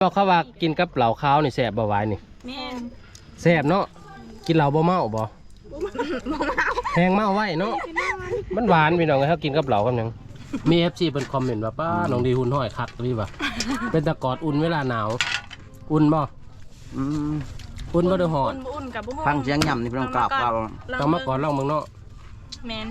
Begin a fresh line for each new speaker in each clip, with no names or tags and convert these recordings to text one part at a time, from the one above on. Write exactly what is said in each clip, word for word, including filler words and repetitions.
ก็เขาว่ากินกับเหล่าข้าวนี่แสบบ่ไหวนี่
แม่น
แสบเนาะกินเหล่าบ่เมาบ่แห้งเมาไว้เนาะมันหวานพี่น้องเขากินกับเหล่ากันยังมี เอฟ ซี เป็นคอมเมนต์ว่าป้าน้องดีหุ่นห้อยคักพี่ป่ะเป็นตะกอดอุ่นเวลาหนาวอุ่นบ่อุ่นบ่ได้หอด
อุ่นกับบุ้ง
ฟังเสียงย่ำนี่พี่น้องกราบกราบ
ต้องมาก่อนลองมึงเนาะ
แมน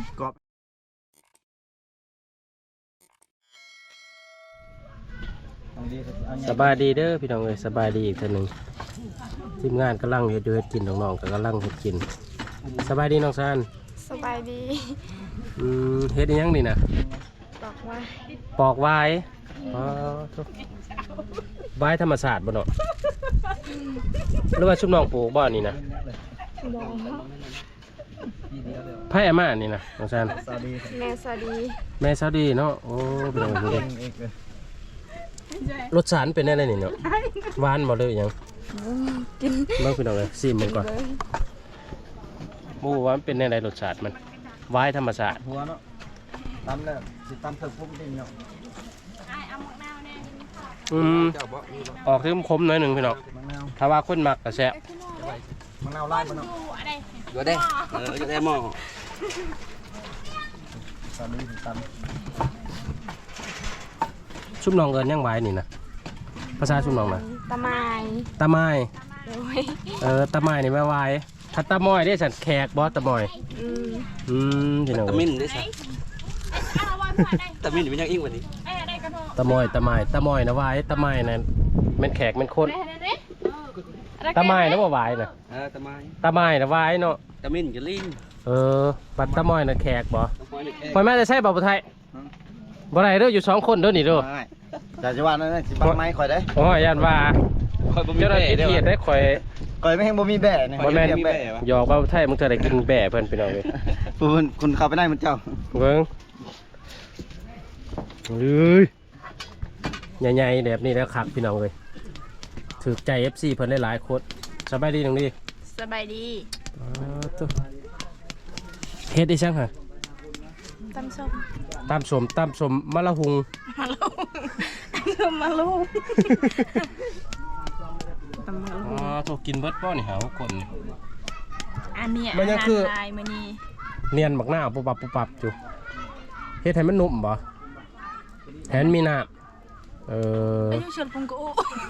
สบายดีเด้อพี่น้องเลยสบายดีอีกท่านหนึ่งทีมงานกำลังเฮ็ดอยู่เฮ็ดกินน้องๆก็กำลังเฮ็ดกินสบายดีน้องซาน
สบายดี
อืมเฮ็ดอีหยังนี่นะ
ปอกไว้
ปอกไว้อ๋อไว้ธรรมศาสตร์บ่เนาะหรือว่าชุบน้องปลูกบ่นี่นะไผ่อาม่านี่นะน้องซาน
แม่สวัสดี
แม่สวัสดีเนาะโอ้เป็นจังซี่รสชาติเป็นอะไรนี่เนาะหวานบ่เลยยัง
กิน
เบิ่งพี่น้องเลยซิมมันก่อนมูว่ามันเป็นอะไรรสชาติมันไว้ธรรมชาติ
หัวเนาะตำแล้วสิตำเพิ่มพุ่มดิเนาะ
อืมออกที่คมหน่อยหนึ่งพี่น้องถ้าว่าคนมักกระแซะ
มะนาวไล่มะนาว
อยู่ได้เอออยู่ได้หม้อ
ตอนนี้ตำ
ชุบน้องเอิญยังไว้นี่นะภาษาชุบน้องนะ
ตะไม
ตะไมเออตะไมนี่ไม่ไว้ถ้าตะมอยได้สันแขกบอสตะมอยอืมพี่น้อง
ตะมินได้สักตะมินเป็นยังอิ่งวันนี้
ตะมอยตะไมตะมอยนะไว้ตะไมนะเป็นแขกเป็นคนตะไมนะว่าไว้นะ
เออตะไม
ตะไมนะไว้เนาะ
ตะมินจะลิ้น
เออปัดตะมอยนะแขกบอปล่อยแม่จะใช่บ่าวไทยบ่ได้เด้ออยู่สองคนเด้อนี่เด้อ
อยากจะว่านั่นสิปังไม้ข่อยได้
โอ้ยยันว่าเจ้าหน้าที่เทียดได้ข่อย
ข่อยไม่เห็นบ่มีแบ่เนี่ย
บ่แม่นหยอกบ่าวไทยมึงเธอได้กินแบ่เพิ่นพี่น้องเว้ย
คุณคุณเข้าไปได้มันเจ้า
เบิ่งเอ้ยใหญ่ๆแบบนี้แล้วคักพี่น้องเว้ยถูกใจ เอฟ ซี เพิ่นหลายๆคนสบายดีน้องดี
สบายดี
อ๋อตุ๊เฮ็ดได้จังฮะ
ตำส้ม
ตำส้มตำส้มมะละหุง
มะละหุงตำมะละหุงตำมะละหุง
อ๋อถูกกินเบิดป้อนี่หาคน
อันนี้อาหารลายมื้อนี้
เนียนบักหน้าปุบปับปุบปับอยู่เฮ็ดให้มันนุ่มบ่แทนมีน้ำเออ
อายุชนพุงกู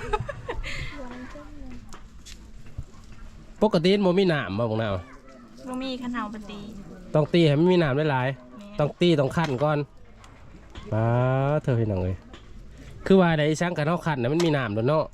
ปกติมันมีน้ำบ่บักหน้า
บ่มีขันเฮาปฏิ
ต้องตีให้มันมีน้ำหลายๆต้องตีต้องคั่นก่อนป้าเธอเห็นหนังเลยคือว่าไอ้ช่างกันเท่าคั่นนะมันมีน้ำด้วยเนาะ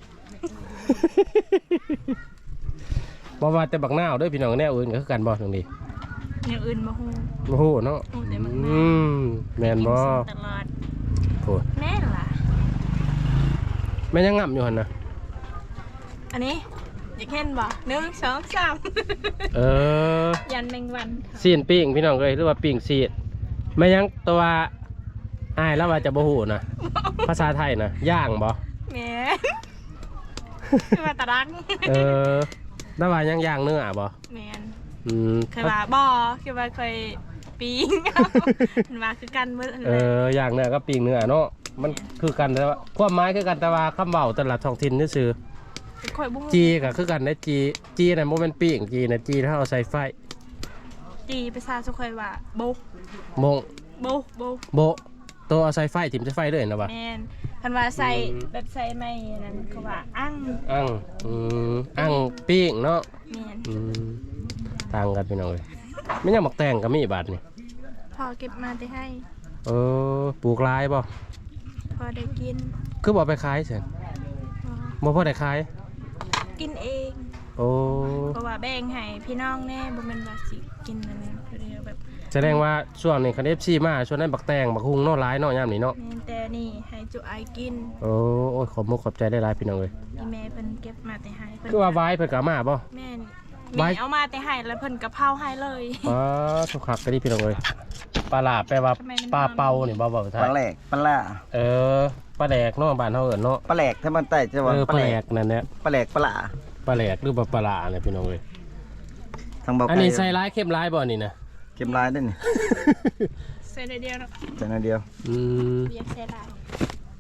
บ่ว่าแต่บักหน้าด้วยพี่น้องแน่อื่นก็คือกันบ่ตรงนี้
แนวอื่นบ่ฮู้
บ่ฮู้เนาะอืมแม่นบ่
ตลอด
โอ้
แม่ล่ะ
แม่ยังงับอยู่หั่นน่ะ
อันนี้อยากเห็นบ่หนึ่ง สอง สาม
เออ
ยันแมงวัน
ซีนปิ้งพี่น้องเอ้ยหรือว่าปิ้งซีดแม่ยังตัวอ้ายแล้วว่าจะบ่ฮู้นะภาษาไทยนะย่างบ่
แม่คือว่าตะรัง
เออแล้วว่ายังย่างเนื้อบ่
แม่น
อืม
คือว่าบ่คือว่าเคยปิ้งมันว่าคือกันเบิด
เออย่างเนื้อก็ปิ้งเนื้อเนาะมันคือกันแต่ว่าความหมายคือกันแต่ว่าคำเว้าแต่ละท้องถิ่นซื่อจีก็คือกันได้จีจีนั่นโมเป็นปิ้งจีนะจีถ้าเอาใส่ไฟ
จีภาษาสุขอยว่าโบ
โมง
โบโบ
โบตัวเอาใส่ไฟถิ่มใส่ไฟด้วยนะวะ
แมนคันว่าใส่แบบใส่ไม่นั้นเขาว่าอั้ง
อั้งอืมอั้งปิ้งเนาะ
แมน
อืมต่างกันพี่น้องเลยไม่ยังหมักแตงกับมีบาทนี่
พอเก็บมาได้ให้
เออปลูกลายบ่
พอได้กิน
คือบอกไปขายเสร็จบ่พอได้ขาย
กินเอง
โอ้
เพราะว่าแบ่งให้พี่น้องแน่บ่แม่นว่าสิกินนั่นแบบ
แสดงว่าช่วงนี้คัน เอฟ ซี มาช่วงนั้นบักแตงบักฮุงเนาะหลายเนาะยามนี้เนาะ
แต่นี่ให้จุไอกิน
โอ้โอ้ขอบมุกขอบใจได้หลายพี่น้องเอ้ย
อีแม่เพิ่นเก็บมาแต่ให้เพิ่น
คือว่าไว้เพิ่นก็มาบ่
แม่แม่เอามาแต่ให้แล้วเพิ่นก็เผาให้เลย
อ๋อสุกคักก็ดีพี่น้องเอ้ยปลาหลาแปลว่าปลาเป่านี่บ่บ่ไทย
ปลาแหลกปลาล่า
เออปลาแหลกเนาะบ้านเฮาเอิ้นเนาะ
ปลาแหลกถ้ามันใต้จะว่า
ปลาแหลกนั่นแหละ
ปลาแหลกปลาล่า
ปลาแหลกหรือปลาหลาเนี่ยพี่น้องเอ้ย
ทางบ่
อันนี้ใส่ร้ายเข้มร้ายบ่นี่นะ
เข้มร้ายได้นี่
ใส่เดียวเนาะ
ใส่เดียว
อืม
เรียกใส่ร้าย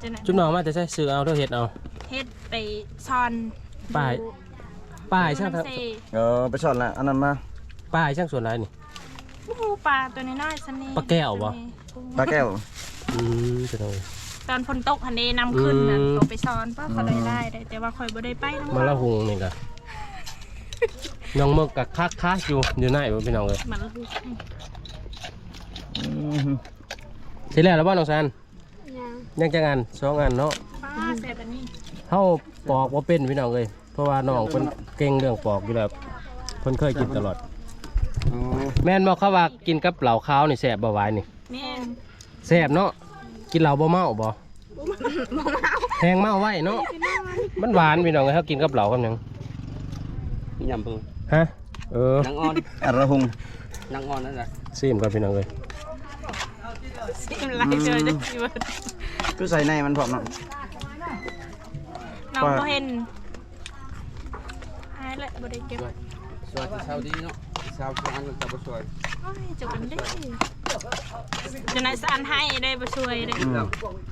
จะไหน
จุ๊บน้องมาแต่ใช่ซื้อเอาเด้อเฮ็ดเอา
เฮ็ดไปซอน
ป้ายป้ายช่าง
ทา
ทาง ง
เออไปสอนละอันนั้นมา
ป้ายช่างส่วนไรนี่
โอ้โหปลาตัวน้อยๆซันนี่
ปลาแก้วบ่
ปลาแก้ว
อืมจะเอา
ตอนฝนตกหันเดนำขึ้นน่ะ
อืม
เขาไปซอนป้าเขาได้ได้ได้แต่ว่าคอยบ่ได้ไปน้ำ
มาละหุงนี่ก็น้องมึกกับคักคักอยู่อยู่ไหนบ่พี่น้องเอ้ย
มันลูก
อืม
สิแล้วแล้วบ่น้องซัน
ยัง
ยังจะงานสองงานเนาะ
ป้าแซ่บอันนี้
เฮาปอกบ่เป็นพี่น้องเอ้ยเพราะว่าน้องเพิ่นเก่งเรื่องปอกอยู่แล้วเพิ่นเคยกินตลอด
อ๋อ
แม่นบอกเขาว่ากินกับเหล่าขาวนี่แสบบ่หวายนี่
แม่น
แสบเนาะกินเหล่าบ่เมาบ่แหงเมาไว้เนาะมันหวานพี่น้องเอ้ยเขากินกับเหล่ากันยัง
มียำเพิ่ง
ฮะเออน
างอ่อน
อะระหุง
นางอ่อนนั่นแหละ
ซีมกันพี่น้องเอ้ย
ซิมไล่เจอจะสิว่า
คือใส่ในมันพร้อมเนาะ
น้องบ่เห็นหายแล้วบ่ได้เก็บ
สวยเช้าดีเนาะเช้าสวยอันมันจะบ่สวย
โอ้ยจุกันได้จะไหนสานให้ได้บ่ช่วยได้
อืม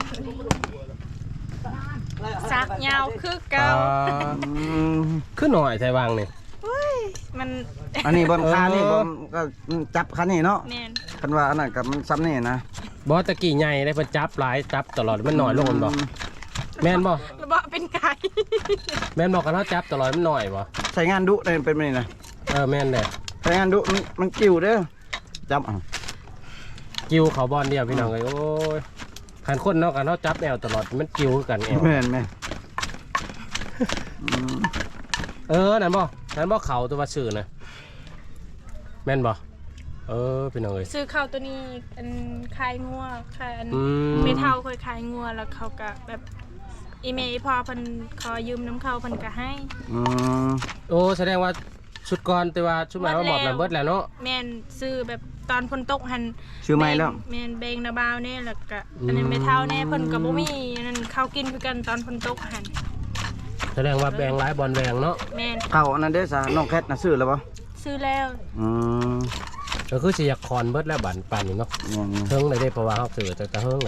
ซักยาวคือเก่า
อืม
คือหน่อยไทยวางนี่
เฮ้ยมัน
อันนี้บนคานี่
เออ
บนก็จับคันนี่เนาะ
แม่น
คันว่าอันนั้นกับมันซ้ำนี่นะ
บ่ตะกี้ใหญ่ได้เพิ่นจับหลายจับตลอดมันหน่อยลงมันบ่แม่นบ่
ระเบาะเป็นไก่
แม่นบ่กันเฮาจับตลอดมันหน่อยบ่
ใช้งานดุได้เป็นแบบนี้นะ
เออแม่นแหละ
ใช้งานดุมันมันกิ้วเด้อจับเอา
กิ้วเขาบอลเดียวพี่น้องเอ้ยโอ้ยคันคนเนาะกันเฮาจับแอวตลอดมันกิ้วคือกันแอว
แม่นแม่นอืม
เออนั่นบ่นั่นบ่เขาตัวว่าชื่อนะแม่นบ่เออพี่น้องเอ้ย
ซื้อข้าวตัวนี้อันคายงัวคายอัน
อืม
ไม่เท่าเคยคายงัวแล้วเขาก็แบบอีเมลพอเพิ่นขอยืมน้ำเขาเพิ่นก็ให้
อืม
โอ้แสดงว่าชุดก่อนแต่ว่าชุดใหม่ว่าหมอบแล้วเบิดแล้วเนาะ
แม่นซื้อแบบตอนฝนตกหัน
ชื่อไม่แล้ว
แม่นเบงนาบาวแน่แล้วก็อันนั้นไม่เท่าแน่เพิ่นก็บ่มีอันนั้นเขากินคือกันตอนฝนตกหัน
แสดงว่าแบ่งหลายบอลแบ่งเนาะ
แม่น
เข้าอันนั้นเด้อซะน้องแคทน่ะซื้อแล้วบ่
ซื้อแล้ว
อืม
ก็คือสิอยากคอนเบิดแล้วบันปานนี้เนาะ
อย่างนี้
เฮิงเลยได้เพราะว่าเฮาซื้อแต่แต่เฮิงเลย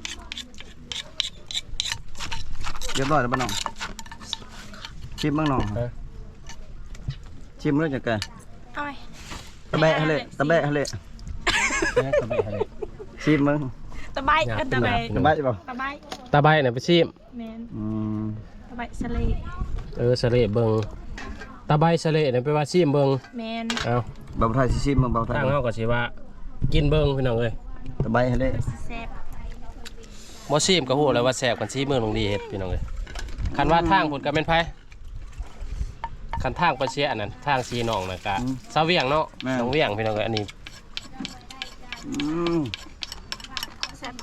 เรียบร้อยแล้วบ่น้องชิมบ้างน้อง
เออ
ชิมเรื่องจังไง
เอาไป
ตะแบะฮะเลยตะแบะฮะเลย
แม่ตะไบให้
ชิมมึง
ตะไบเอิ้นตะไบ
ตะแบะใช่ป่ะ
ตะไบ
ตาใบเนี่ยไปชิม
แม่น
อืม
ตะไบสะเล
เออสะเลเบิงตาใบสะเลเนี่ยไปว่าชิมเบิง
แม่น
เอา
เบาไทยสิชิมมึงเบาไทย
ทางเฮาก็สิว่ากินเบิงพี่น้องเอ้ย
ตะแบะฮะเลย
แซ่บ
บ่ชิมก็ฮู้แล้วว่าแซ่บกันชิมเมืองลงดีเฮ็ดพี่น้องเอ้ยคันว่าทางพุ่นก็แม่นไผคันทางไปเสียอันนั้นทางสีน้องน่ะก็ซาเวียงเนาะน้องเวียงพี่น้องเอ้ยอันนี้
อืม
แซ่บ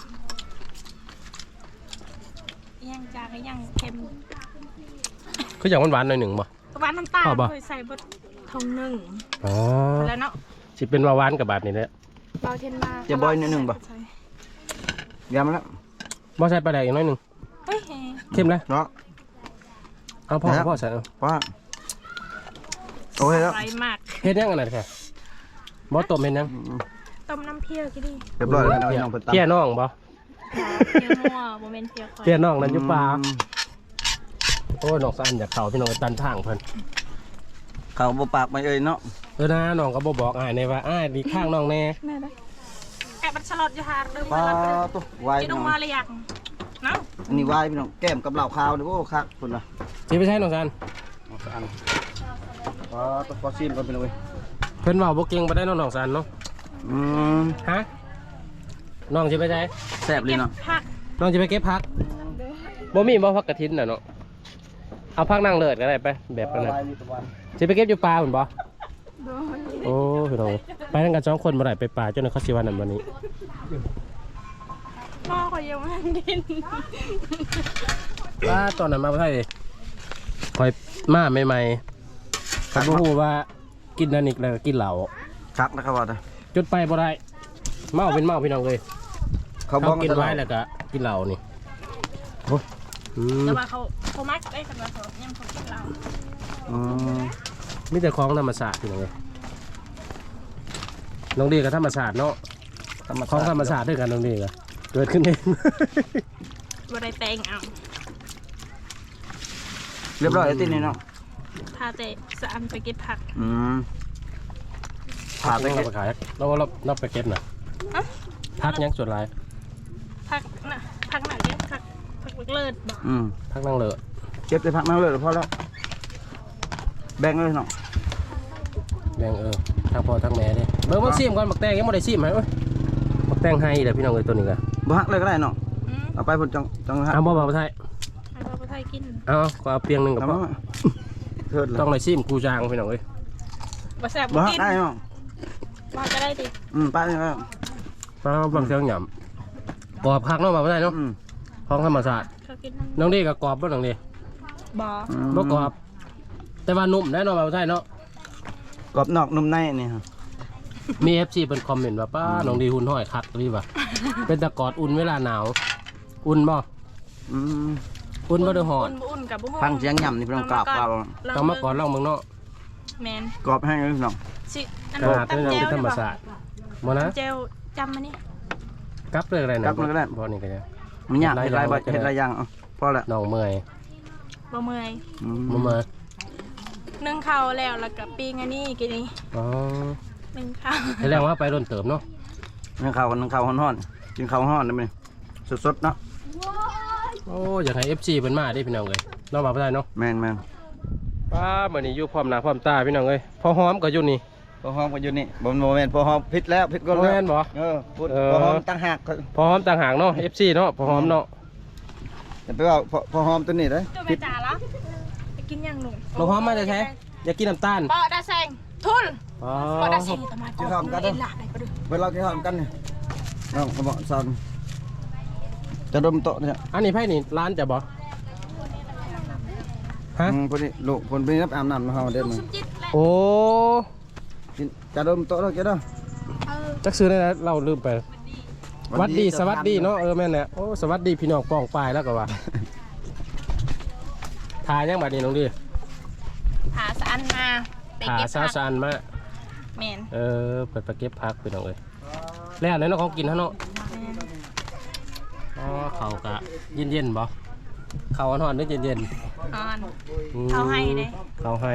ยังจางก็ยังเค็ม
คืออย่างหวานๆหน่อยหนึงบ่
หวานน้ำตาล
ชอบปะ
เคยใส่บดทงหนึ่ง
อ๋อ
แล้วเนาะ
สิเป็นว่าหวานกับแบบนี้แหละ
เบาเทนมา
จะบอยนิดนึงป่ะ
ใส่
ยำแล้ว
บ่ใส่ปลาแดกอีกหน้อยหนึง
เฮ้ย
เข้มเลย
เนาะ
เอาพ่อ
ครับ
พ่อใส่เอา
ว่าโอเคแล้ว
ไรมาก
เฮ็ดยังอันนั้นค่ะบ่ต้มเฮ็ดยัง
ต้มน้ำเพียวกี่ดี
เรียบร้อยแล้วน้องเพิ่นตำ
เพี้ยน้องบ่
เพียวนัวโมเมนต์เพียวคอย
เพี้ยน้องนั่นอยู่ป่า
อืม
โอ้ยน้องสั่นอยากเข้าพี่น้องไปตันทางเพิ่น
เขาบ่ปากไม่เอ่ยเนาะ
เออนะน้องก็บ่บอกอ้ายในว่าอ้ายดีข้างน้องแน่
แม่ได้แอบมันฉลอดอยู่หาดึง
ปลา
มาแล้ว
ตุ๊วาย
กิน
พี่
อ
น้
อ
อก ง
มาเลยยังเนาะ
อันนี้วายพี่น้องแก้มกับเหล้าขาวนี่โอ้คักพุ่นน่ะ
สิไปใช้น้องสั่น
เอาสักอันปลาตุ๊ขอชิมก่อนพี่น้องเว้ย
เพิ่นเว้าบ่เก่งบ่ได้น้องน้องสั่นเนาะ
อืม
ฮะน้องสิไปใช้
แซ่บเลยเนาะ
ผัก
น้องสิไปเก็บผักบ่มีบ่ผักกระถินน่ะเนาะเอาผักนางเลิศก็ได้ไปแบบนั้นน่ะ
วายมีตะวัน
สิไปเก็บอยู่ป่าพุ่นบ่โอ้พี่น้องไปทั้งกันสองคนบ่ได้ไปป่าจนเขาสิว่านั่นวันนี้
พ่อเขายังไม่ทันกิน
ว่าตอนนั้นมาบ่ได้คอยมาใหม่ๆเขาบ่ฮู้ว่ากินนั่นอีกแล้วก็กินเหล้า
คักนะครับว่าแต่
จนไปบ่ได้เมาเป็นเมาพี่น้องเลย
เขาบ
เขา
อก
กินไว้แล้วก็กินเหล้านี่โอ้อืม
แต่ว่าเขาเขามักได้กันว่าเขายังเขากินเรา
อืม
มีแต่ของธรรมศาสตร์พี่น้องเลยน้องดีกับธรรมศาสตร์เนาะของธรรมศาสตร์ด้วยกันน้องดีก็เกิดขึ้นเอง
บ่ได้แต่งเอา
เรียบร้อยแล้วตินี่เนาะ
ถ้าแต่สะอันไปเก็บผัก
อืม
ผักเราไปขายเราเราเราไปเก็บน่ะ
อะ
ผักยังส่วนไร
ผักน่ะผักหนักเด้ผักผักเลิศบ่
อืม
ผักนั่งเลอะ
เก็บได้พักนั่งเลยพอแล้วแบ่งเลยเนาะ
แบ่งเออทั้งพ่อทั้งแม่เด้เบิ่งมันซิมก่อนบักแตงยังบ่ได้ซิมให้เว้ยบักแตงให้เด้อพี่น้องเอ้ยตัวนี้ก็
บ่ฮักเลยก็ได้เนาะ
อืม
เอาไปพุ่นจังจังฮัก
เอาบ่บ่าวไทย
ให้พ่อไทยกิน
เอาก็เอาเปียงหนึงกับ
เอา
พ่อ
มาเถิดเลย
ต้องได้ซิมกูจางพี่น้องเอ้ย
บ่แซ่บ
บ่
บ่
ฮัก
กิน
ได้เนาะ
มาก็ได้ดิ
อืมไปเลยครับ
มาบังเสียงหยำกรอบคักเนาะบ่าวไทยเนาะ
อืม
ของธรรมชาติ
เขากินนั่น
น้องดีก็กรอบบ่น้องดี
บ่
อืม
บ่กรอบ แต่ว่านุ่มแน่นอนบ่าวไทยเนาะ
กรอบนอกนุ่มในนี่ครับ
มี เอฟ ซี เป็นคอมเมนต์ว่าป้าน้องดีหุ่นห้อยคักรีบ่ะ เป็นตะกอดอุ่นเวลาหนาว อุ่นบ่
อืม
อุ่นบ่ได้หอด
อุ่นบ่อุ่นกับบ่ฮ้อน
ฟังเสียงย่ำนี่เพิ่นกราบกราบ
ต้องมาก่อนลองเมืองเนาะ
แม่น
กรอบให้เลยเนาะ
สิอัน
ข
นั้น
นาด
ตำ
นี้
แจ่
ยัง
ว
เป็นธรรมศาสตร์บ่นะ
แจ่วจำมานี่
กลับเลยอะไรนะ
กลับเลยก็ได้
บ่นี่ก็ได้
มันยากเฮ็ดหลายบ่เฮ็ดหลายอย่างเอาพอละ
น้องเมื่อย
บ่เมื่อย
อืม
บ่เมื่อย
นึ่งข้าวแล้วแล้วก็ปิ้งอันนี้กินนี่
อ๋อ
นึ่งข้าว
แสดงว่าไปร่นเติมเนาะ
นึ่งข้าวนึ่งข้าวฮ้อนๆกินข้าวฮ้อนได้มั้ยสดๆเนาะ
โอ้อยากให้ เอฟ ซี เพิ่นมาเด้พี่น้องเอ้ยเนาะบ่าวได้เนาะ
แม่น
ป้ามื้อนี้อยู่พร้อมหน้าพร้อมตาพี่น้องเอ้ยพอหอมก็อยู่นี่
ๆพอหอมก็อยู่นี่บ่บ่แม่นพอหอมผิดแล้วผิดก็
บ่
แล้ว
แม่นบ่
เออพูด
เออ
พอหอมต่างหากก็
พอหอมต่างหากเนาะ เอฟ ซี เนาะพอหอมเนาะ
อย่าไปว่าพอพอหอมตัวนี้เด้อ
ตัวแม่จ๋าละไปกินยังหนุ่ม
น้องหอมมาได้แท้อยากกินน้ำตาล
ปอดาแซงทุน
อ๋อ
ปอดาแซงตะมาก่อนเอ็นหลักไหนก็ดู
เวลากินข้าวกันนี่น้องก็บอกสั่นจะดมโต๊ะเนี่ย
อันนี้ไผนี่ร้านจะบ่ฮะ
อืมพอดีลูกคนไปรับอาบน้ำมาเฮาเด้อ
ลูก
มึง
สมจิตแหละ
โอ้
กินจะดมโต๊ะแล้วแกเด้อ
เออ
จักซื้อได้แล้วเราลืมไปสวัสดีสวัสดีเนาะเออแม่นแหละโอ้สวัสดีพี่น้องป้องปลายแล้วก็ว่าทายังบัดนี้น้องดี
หาสะอันมาไป
ทา
เก็บ
ซา
ผัก
ซานมา
แมน
เออเปิดไปเก็บผักพี่น้องเอ้ยแล้วไหนเนาะของกินฮะเนาะ
แม่น
อ๋อเขากะเย็นๆบ่เขาอ่อนๆนึกเย็น
อ่อน
ๆอืม
เขาให้เลย
เขาให้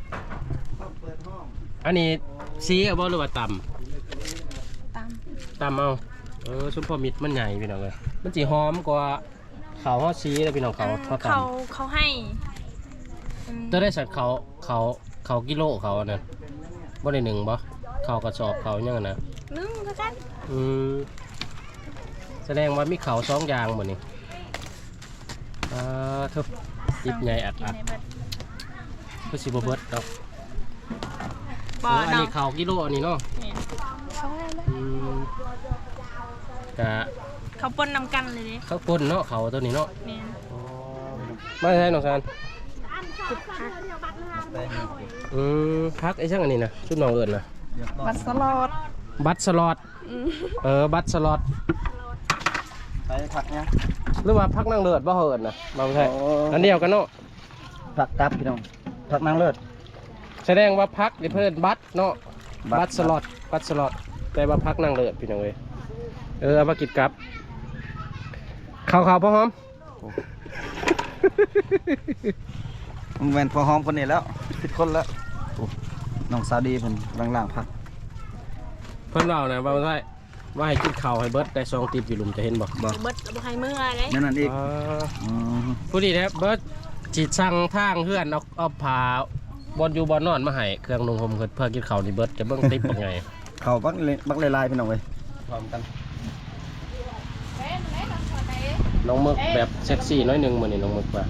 อันนี้ซีเอาบ่หรือว่าตำ
ตาม
ตำเอาเออชุมพอมิดมันใหญ่พี่น้องเอ้ยมันสิหอมกว่าเขาฮอดซีแล้วพี่น้องเขาทอดตำ
เขาเขาให้อืม
จะได้สัตว์เขาเขาเขากิโลเขาอันนะบ่ได้หนึ่งบ่เขากระสอบเขายังไงนะ
นึ่งก็กัน
อืมแสดงว่ามีเขาสองอย่างหมดนี่อ่าทุบจิบใหญ่อัดอัด
กินในเบิด
ก็สิบเบิดดอก
บ่
เอออัน
เนาะ
นี้เขากิโลอันนี้เนาะ
แม่นเขาให้แล้ว
อืมกะ
เขาปนนำกันเลยเด้
เขาปนเนาะเขาตัวนี้เนาะ
แม่น
ไม่ใช่น้องซานอืมพักไอ้ช่างอันนี้นะชุดน้องเอิญนะ
บัตรสลอด
บัตรสล็อตเออบัตรสล็อต
ไปผักเนี่ย
หรือว่าพักนั่งเลือดบ่เหินนะบางใช่
โอ้
อันเดียวกันเนาะ
ผักตับพี่น้องผักนางเลิศ
แสดงว่าพักเพื่อนบัตรเนาะ
บั
บั
ต
ต
ร
รสล็อตบัตรสล็อตแต่ว่าพักนั่งเลือดพี่น้องเอ้ยเออเอามากินกับข่าวข่าวพ่อหอม
มึงแม่นพอหอมคนนี้แล้วผิดคนแล้วโอ้น้องสาวดีเพิ่นล่างๆผัก
เพิ่นเล่านะว่าว่าว่าให้กินข้าวให้เบิร์ดได้ซองตีบอยู่หลุมจะเห็นบ่
บ่
เบิดบ่ให้เมื่อเลย
นั่นนั่นอีก
อ่า
อืม
ผู้ดีนะเบิร์ดจีดสั่งทางเพื่อนเอาเอาผ้าบอลอยู่บอลนอนมาให้เครื่องนุ่งห่มเพื่อกินข้าวนี่เบิร์ดจะเบิ่งติ๊บเป็นไง
เขาบักเลยบักลายๆพี่น้องเว้ยพร้อมกัน
น้องมึกแบบเซ็กซี่น้อยหนึงมื้อนี้น้องมึกว่า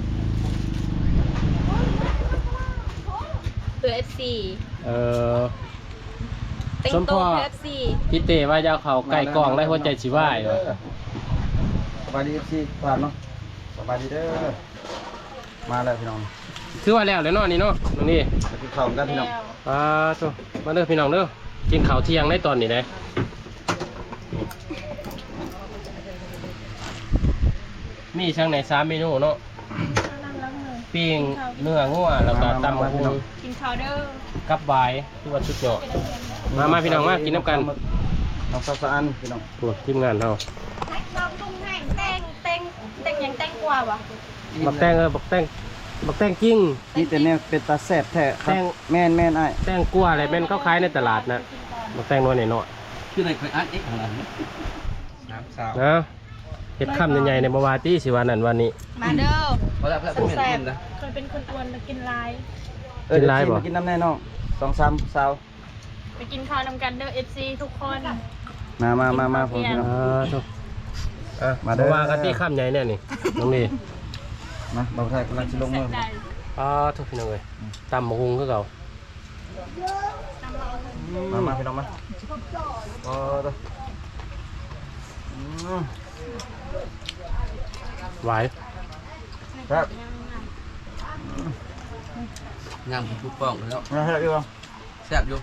ตัว เอฟ ซี
เออ
เต็ง
สม
โต
พ่อ
เอฟซี
พี่เต้ว่าจะเอาเขาไก่กองได้หัวใจสิวายว่ะ
สบายดีสิผ่านเนาะสบายดีเด้อมาแล้วพี่น้อง
คือว่าแล้วเลยเนาะนี่เนาะตรงนี้
ไปกินข้าวกันพี่น้อง
อ่าโตมาเด้อพี่น้องเด้อกินข้าวเที่ยงได้ตอนนี้ได้มีช่างไหนสามเมนูเนาะปิ้งเนื้องัวแล้วก็ตำบักหุ่ง
กินข้าวเด้อ
กับบายที่ว่าชุดยอดมามาพี่น้องมากินน้ำกัน
น้องสาวสะอันพี่น้อง
พวกทีมงานเรา
ลองตุ้งให้เต็งเต็งเต็งยังว่าบ่
บักแตงเออบักแตงบักแตงกิ้ง
นี่แต่เนี่ยเป็นตาแซ่บแท้ครั
แต
บ
ง
แม่นแม่นอ้าย
แตงกลัวอะไรแม่นเขาขายในตลาดนะบักแตงน้อยหน่อย
คือในเคยอ่านเอ็กของเราน้ำสาว
ๆนะเห็ดข้ามใหญ่ๆในบาวาตี้สิวันนั้นวันนี้
มาเด้อ
เพราะแล้วเพื่อนเป็นคนนะ
เคยเป็นคนอ้วนแล้วกินลาย
เออ
กินหลาย
เดี๋ว
บ่
มากินน้ำแน่น้องสองสามสาว
ไปกินข้าวนำกันเด้อ เอฟ ซี ทุกคน
มามามามาผมพี่น้อง
อ่าทุกอ่ะ
มา
มา
เด้อ
ว่ากันที่ข้ามใหญ่เนี่ยนี่น้องนี่
มาบ่าวไทยกำลังสิลงมือ
ได้
อ่าทุกพี่น้องเลยตำมะฮุงก็เก่า
มามาพี่น้องมาอ๋อเด้ออืม
หวาย
ครับ
งามทุกป้องเลยเนาะ
มาให้พี่บ่
แซ่บอยู่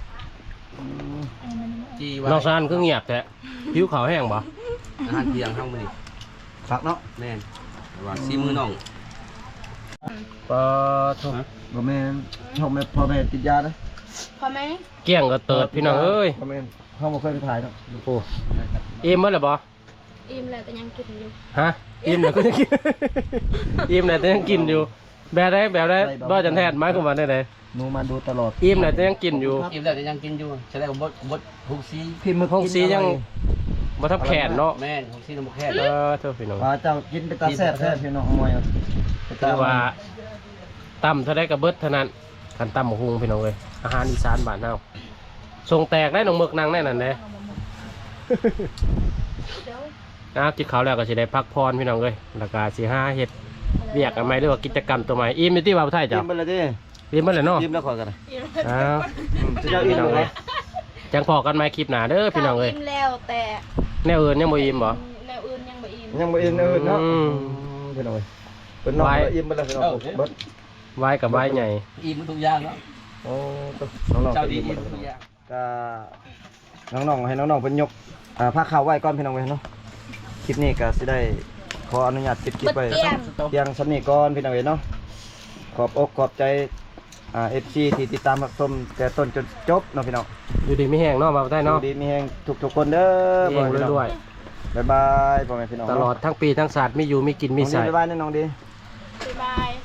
จีไว้
น้องซานก็เงียบแท้ผิวขาวแห้งบ่
อาหารเที่ยงห้องมันนี่
ผักเนาะ
แน่นว่าซีมือน้อง
ปลาทุก
บ่แม่นเฮาแม่พ่อแม่ติดยาเด้อ
พอไหม
เกี้ยงก็เติดพี่น้องเอ้ย
บ่แม่นเฮาบ่เคยไปถ่ายเนาะ
โอ้อิ่มมั้ยล่ะบ่
อิ่มแล้วแต่ยังกินอยู่
ฮะอิ่มแล้วก็ยังกิน อิ่มแล้วแต่ยังกินอยู่แบบได้แบบได้บ่จันแทนหมายความว่าได้ได
หนูมาดูตลอด
อิ่มแล้วแต่ยังกินอยู่
อิ่มแล้วจะยังกินอยู่ใช่แล้วบดบดหุบซี
พิมพ์มือ
ห้องสียังบ่ทับแขนเนาะ
แม่นหุบซีน้ำแค่
เออเท่าพี่น้อง
ว่าเจ้ากินเป็นตาแซ่บแท้พี่น้องมวย
คือว่าต่ำเท่าได้กับเบิดเท่านั้นคันต่ำหมูหุงพี่น้องเลยอาหารอีสานบ้านเฮาส่งแตกได้น้องเมือกนางแน่นั่นแหละ นะกินข้าวแล้วก็สิได้พักผ่อนพี่น้องเลยแล้วก็สิหาเฮ็ดเวียกอะไรหรือว่ากิจกรรมตัวใหม่อิ่มอยู่ที่ว่าไทย
จิ้
จ้ะ
มไปเลยดิ
อิ่มบ่แล้วเนาะ
จิ้มแล้วขอกัน
อิ่ม
อ้าว
จะเจ้าอิ่
พี่
ม
น้อง
เล
เลย ยจังพอกันใหม่คลิปหน้าเด้อพี่น้องเลย
อิ่มแล้วแต่
แนวอื่นยังบ่อิ่มบ่
แนวอื่นยังบ่อิ่ม
ยังบ่อิ่มเอิ้นเนาะ
อืม
พี่น้องเป็นน้องอิ่มไปแล้วพี่น้องเบิด
ไว้กับไว้ใหญ่
อิ่มทุกอย่างเนาะ
โอ้น้องๆ
เจ้าดี
อิ่ม
อิ่ม
หมด
ทุกอย่าง
ก็น้องๆให้น้องๆเป็นยกอ่าผ้าขาวไว้ก่อนพี่น้องเว้ยเนาะคลิปนี้ก็สิได้ขออนุญาตปิดคลิปไว้
เตี้ยง
เพียงชั้นนี้ก่อนพี่น้องเว้ยเนาะขอบอกขอบใจอ่า เอฟ ซี ที่ติดตามรับชมแต่ต้นจนจบเนาะพี่น้อง
อยู่ดีไม่แห้งเนาะมาไทยเนาะ
ดีมีแฮงทุกๆคนเด้อ
เองด้วย
บ๊ายบายพ่อแม่พี่น้อง
ๆตลอดทั้งปีทั้งศาสตร์มีอยู่มีกินมี
น้องดี
ใส่
บ๊ายบายนะน้องดี
บ๊ายบาย